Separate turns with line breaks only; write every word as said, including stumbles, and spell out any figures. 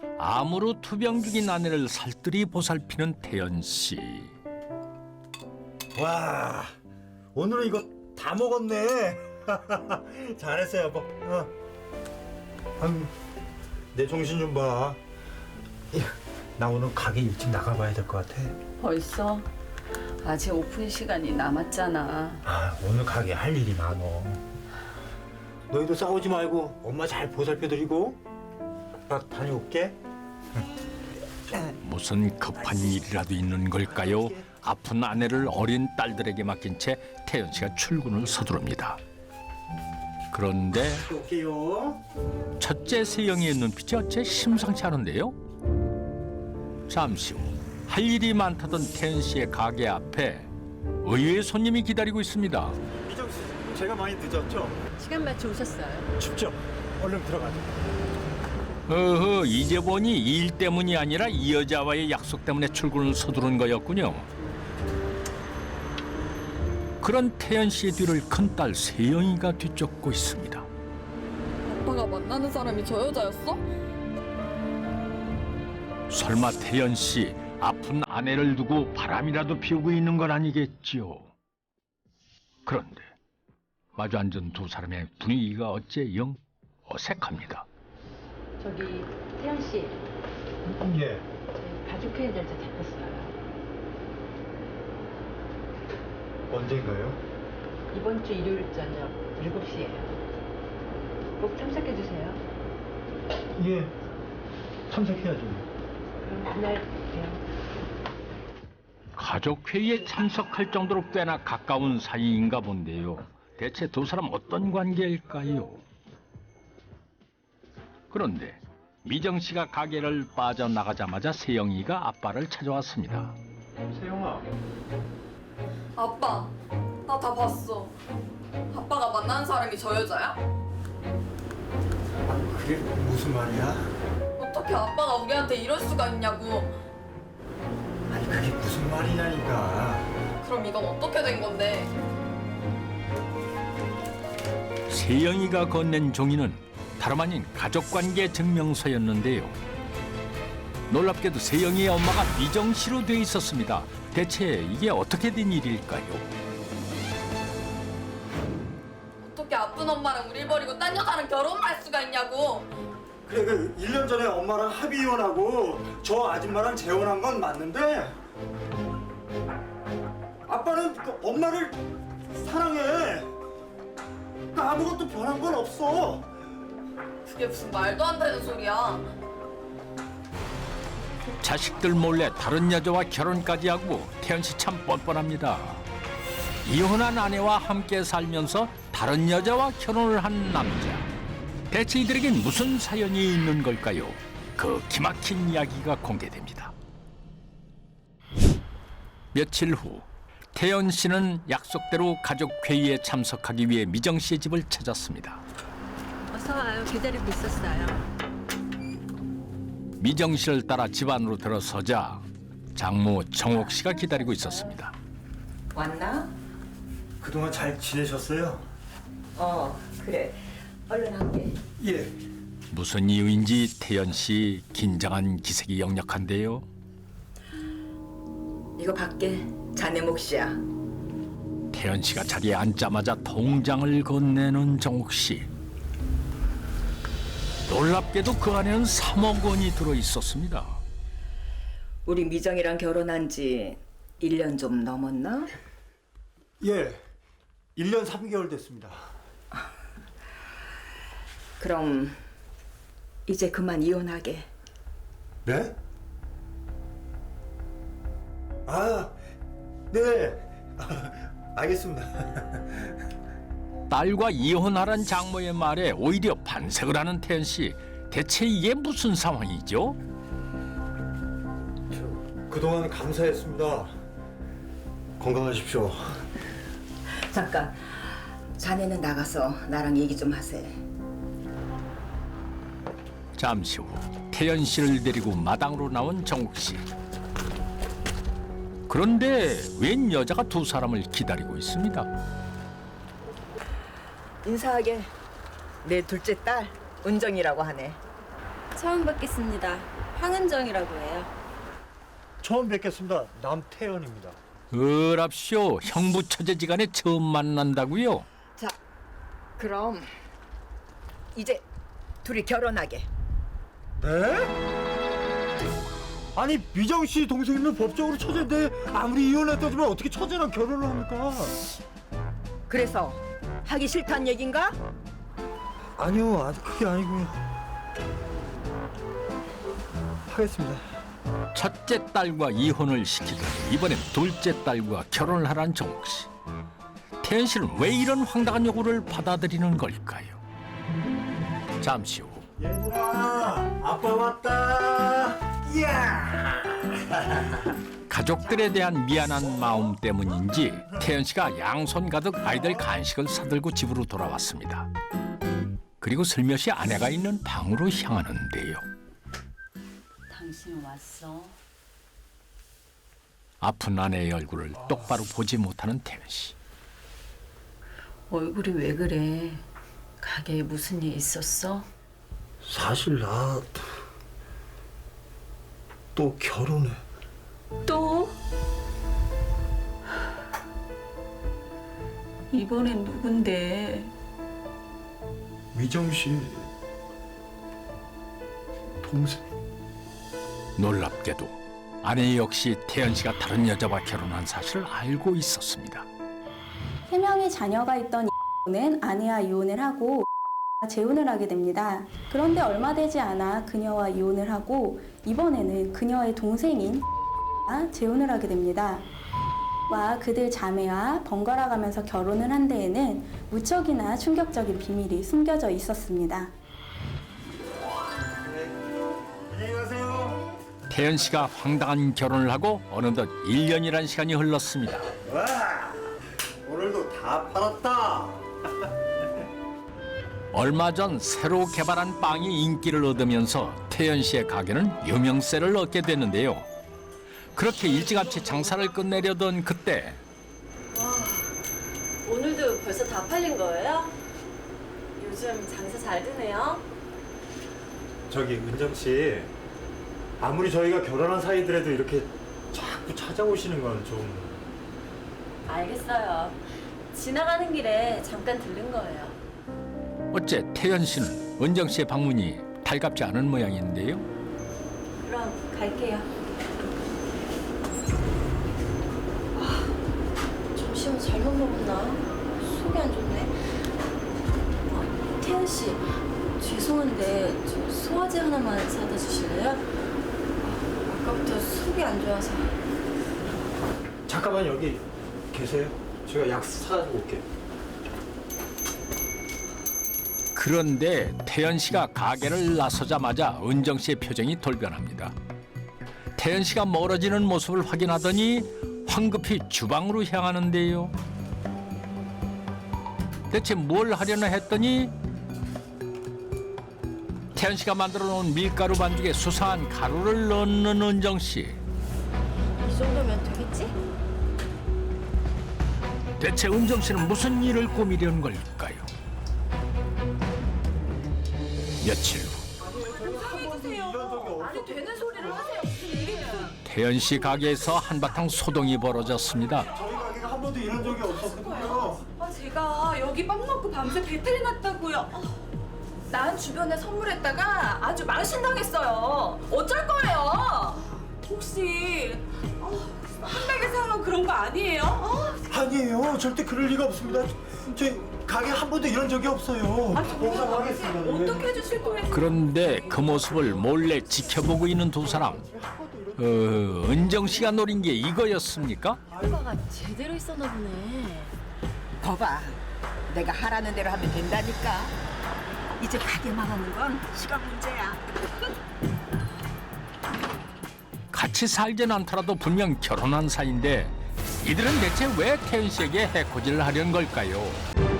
암으로 투병 중인 아내를 살뜰히 보살피는 태연 씨.
와, 오늘은 이거 다 먹었네. 잘했어 여보. 어. 아유, 내 정신 좀 봐. 나 오늘 가게 일찍 나가봐야 될 것 같아.
벌써? 아직 오픈 시간이 남았잖아.
아, 오늘 가게 할 일이 많어. 너희도 싸우지 말고 엄마 잘 보살펴드리고. 나 다녀올게.
무슨 급한 일이라도 있는 걸까요? 아픈 아내를 어린 딸들에게 맡긴 채 태연 씨가 출근을 서두릅니다. 그런데
올게요.
첫째 세영이의 눈빛이 어째 심상치 않은데요? 잠시 후 할 일이 많다던 태연 씨의 가게 앞에 의외의 손님이 기다리고 있습니다.
미정 씨, 제가 많이 늦었죠?
시간 맞춰 오셨어요?
춥죠? 얼른 들어가자.
어허, 이제 보니 일 때문이 아니라 이 여자와의 약속 때문에 출근을 서두른 거였군요. 그런 태연 씨의 뒤를 큰딸 세영이가 뒤쫓고 있습니다.
아빠가 만나는 사람이 저 여자였어?
설마 태연 씨 아픈 아내를 두고 바람이라도 피우고 있는 건 아니겠지요? 그런데 마주 앉은 두 사람의 분위기가 어째 영 어색합니다.
저기 태연 씨,
예.
저희 가족회의 날짜 잡혔어요.
언젠가요?
이번 주 일요일 저녁 일곱 시예요. 꼭 참석해 주세요.
예. 참석해야죠.
그럼 그날 봬요.
가족회의에 참석할 정도로 꽤나 가까운 사이인가 본데요. 대체 두 사람 어떤 관계일까요? 그런데 미정 씨가 가게를 빠져나가자마자 세영이가 아빠를 찾아왔습니다.
세영아.
아빠, 나 다 봤어. 아빠가 만나는 사람이 저 여자야?
그게 무슨 말이야?
어떻게 아빠가 우리한테 이럴 수가 있냐고.
아니 그게 무슨 말이냐니까.
그럼 이건 어떻게 된 건데?
세영이가 건넨 종이는 다름 아닌 가족관계 증명서였는데요. 놀랍게도 세영이의 엄마가 미정 씨로 돼 있었습니다. 대체 이게 어떻게 된 일일까요?
어떻게 아픈 엄마랑 우릴 버리고 딴 여자랑 결혼할 수가 있냐고.
그래 그 일 년 전에 엄마랑 합의 이혼하고 저 아줌마랑 재혼한 건 맞는데 아빠는 그 엄마를 사랑해. 나 아무것도 변한 건 없어.
그게 무슨 말도 안 되는 소리야.
자식들 몰래 다른 여자와 결혼까지 하고 태연 씨 참 뻔뻔합니다. 이혼한 아내와 함께 살면서 다른 여자와 결혼을 한 남자. 대체 이들에겐 무슨 사연이 있는 걸까요? 그 기막힌 이야기가 공개됩니다. 며칠 후 태연 씨는 약속대로 가족 회의에 참석하기 위해 미정 씨의 집을 찾았습니다.
어서 와요. 기다리고 있었어요.
미정 씨를 따라 집 안으로 들어서자 장모 정옥 씨가 기다리고 있었습니다.
왔나?
그동안 잘 지내셨어요?
어, 그래. 얼른 할게.
예.
무슨 이유인지 태연 씨 긴장한 기색이 역력한데요.
이거 밖에 자네 몫이야.
태연 씨가 자리에 앉자마자 통장을 건네는 정옥 씨. 놀랍게도 그 안에는 삼억 원이 들어 있었습니다.
우리 미정이랑 결혼한 지 일 년 좀 넘었나?
예. 일 년 삼 개월 됐습니다.
그럼 이제 그만 이혼하게.
네? 아, 네. 알겠습니다.
딸과 이혼하란 장모의 말에 오히려 반색을 하는 태연 씨. 대체 이게 무슨 상황이죠?
그동안 감사했습니다. 건강하십시오.
잠깐. 자네는 나가서 나랑 얘기 좀 하세.
잠시 후 태연 씨를 데리고 마당으로 나온 정욱 씨. 그런데 웬 여자가 두 사람을 기다리고 있습니다.
인사하게. 내 둘째 딸 은정이라고 하네.
처음 뵙겠습니다. 황은정이라고 해요.
처음 뵙겠습니다. 남태현입니다.
어랍쇼, 형부 처제지간에 처음 만난다고요?
자, 그럼 이제 둘이 결혼하게.
네? 아니 미정 씨 동생이면 법적으로 처제인데 아무리 이혼했다지만 어떻게 처제랑 결혼을 합니까?
그래서 하기 싫단 얘긴가?
아니요, 아직 그게 아니고요. 하겠습니다.
첫째 딸과 이혼을 시키더니 이번엔 둘째 딸과 결혼을 하란 정욱 씨. 태연 씨는 왜 이런 황당한 요구를 받아들이는 걸까요? 잠시 후
얘들아, 아빠 왔다. 이야.
가족들에 대한 미안한 마음 때문인지 태연 씨가 양손 가득 아이들 간식을 사들고 집으로 돌아왔습니다. 그리고 슬며시 아내가 있는 방으로 향하는데요.
당신 왔어?
아픈 아내의 얼굴을 똑바로 보지 못하는 태연 씨.
얼굴이 왜 그래? 가게에 무슨 일 있었어?
사실 나 또 결혼해.
또? 이번엔 누군데?
미정 씨 동생.
놀랍게도 아내 역시 태연 씨가 다른 여자와 결혼한 사실을 알고 있었습니다.
세 명의 자녀가 있던 는 아내와 이혼을 하고 재혼을 하게 됩니다. 그런데 얼마 되지 않아 그녀와 이혼을 하고 이번에는 그녀의 동생인 재혼을 하게 됩니다. 와 그들 자매와 번갈아 가면서 결혼을 한 데에는 무척이나 충격적인 비밀이 숨겨져 있었습니다.
안녕히 가세요.
태연 씨가 황당한 결혼을 하고 어느덧 일 년이란 시간이 흘렀습니다.
와, 오늘도 다 팔았다.
얼마 전 새로 개발한 빵이 인기를 얻으면서 태연 씨의 가게는 유명세를 얻게 됐는데요. 그렇게 일찌감치 장사를 끝내려던 그때
오늘도 벌써 다 팔린 거예요? 요즘 장사 잘 되네요.
저기 은정 씨, 아무리 저희가 결혼한 사이더라도 이렇게 자꾸 찾아오시는 건 좀.
알겠어요. 지나가는 길에 잠깐 들른 거예요.
어째 태연 씨는 은정 씨의 방문이 달갑지 않은 모양인데요.
그럼 갈게요. 점심은 잘못 먹었나? 속이 안 좋네. 아, 태연 씨, 죄송한데 저 소화제 하나만 사다 주실래요? 아, 아까부터 속이 안 좋아서.
잠깐만 여기 계세요. 제가 약 사가지고 올게요.
그런데 태연 씨가 가게를 나서자마자 은정 씨의 표정이 돌변합니다. 태연 씨가 멀어지는 모습을 확인하더니 황급히 주방으로 향하는데요. 대체 뭘 하려나 했더니 태연 씨가 만들어 놓은 밀가루 반죽에 수상한 가루를 넣는 은정 씨.
이 정도면 되겠지?
대체 은정 씨는 무슨 일을 꾸미려는 걸까요? 며칠 후
아니 되는 소리를 하세요.
태연 씨 가게에서 한바탕 소동이 벌어졌습니다.
저희 가게가 한 번도 이런 적이 없었거든요.
아 제가 여기 빵 먹고 밤새 배탈이 났다고요. 아, 난 주변에 선물했다가 아주 망신당했어요. 어쩔 거예요? 혹시 아, 한백에 사는 그런 거 아니에요? 아,
아니에요. 절대 그럴 리가 없습니다. 저희 가게 한 번도 이런 적이 없어요. 봉사하겠습니다.
어떻게 해주실 거예요?
그런데 그 모습을 몰래 지켜보고 있는 두 사람. 어, 은정 씨가 노린 게 이거였습니까?
오빠가 제대로 있었나 보네.
거봐, 내가 하라는 대로 하면 된다니까. 이제 가게 망하는 건 시간 문제야.
같이 살진 않더라도 분명 결혼한 사이인데 이들은 대체 왜 태연 씨에게 해코지를 하려는 걸까요?